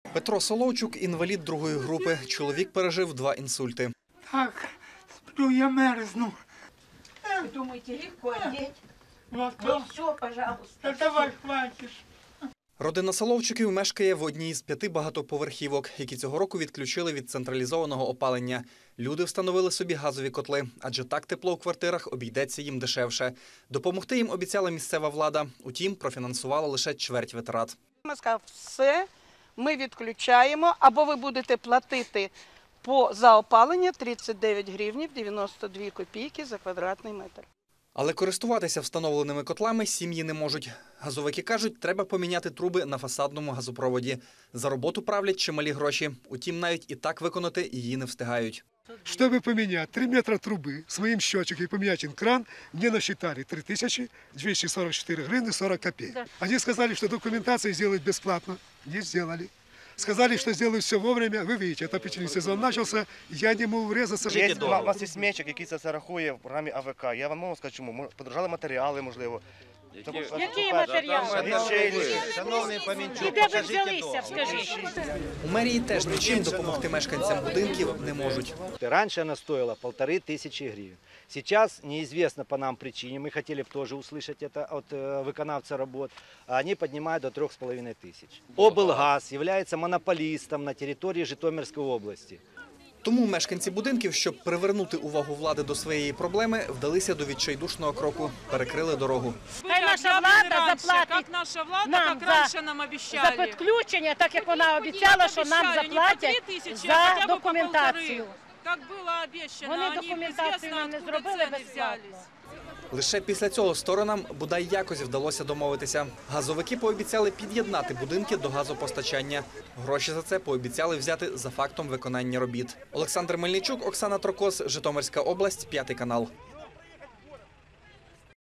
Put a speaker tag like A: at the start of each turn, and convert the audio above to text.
A: Петро Соловчук – інвалід другої групи. Чоловік пережив 2 інсульти.
B: Так, сплю, я мерзну.
C: Вы думаете, легко одеть?
B: Вот,
C: Ну все, пожалуйста.
B: да давай, хватит.
A: Родина Соловчуків мешкає в одній з 5 багатоповерхівок, які цього року відключили від централізованого опалення. Люди встановили собі газові котли, адже так тепло у квартирах обійдеться їм дешевше. Допомогти їм обіцяла місцева влада, утім, профінансувала лише чверть витрат.
D: Ми сказали, все, ми відключаємо, або ви будете платити за опалення 39 гривнів 92 копійки за квадратний метр.
A: Але користуватися встановленими котлами сім'ї не можуть. Газовики кажуть, треба поміняти труби на фасадному газопроводі. За роботу правлять чималі гроші. Утім, навіть і так виконати її не встигають.
E: Чтобы поменять 3 метра трубы с моим счетчиком и поменять кран, мне насчитали 3244 гривны 40 копеек. Да. Они сказали, что документацию сделают бесплатно. Не сделали. Сказали, что сделают все вовремя. Вы видите, отопительный сезон начался, я не мог врезаться.
F: У нас є смічок, який це все рахує в програмі АВК. Я вам можу сказати, чому. Подорожали матеріали, можливо.
G: Які матеріали? І де ви взялися, скажіть?
A: У мерії теж нічим допомогти мешканцям будинків не можуть.
H: Раньше она стоила 1500 гривен. Сейчас неизвестно по нам причине, мы хотели тоже услышать это от выполнявца работ, а они поднимают до 3500. Облгаз является монополистом на территории Житомирской области.
A: Тому мешканці будинків, щоб привернути увагу влади до своєї проблеми, вдалися до відчайдушного кроку – перекрили дорогу.
G: Хай наша влада заплатить нам за підключення, так як вона обіцяла, що нам заплатять за документацію. Вони документацію нам не зробили безплатно.
A: Лише після цього сторонам бодай якось вдалося домовитися. Газовики пообіцяли під'єднати будинки до газопостачання. Гроші за це пообіцяли взяти за фактом виконання робіт. Олександр Мельничук, Оксана Трокос, Житомирська область, 5 канал.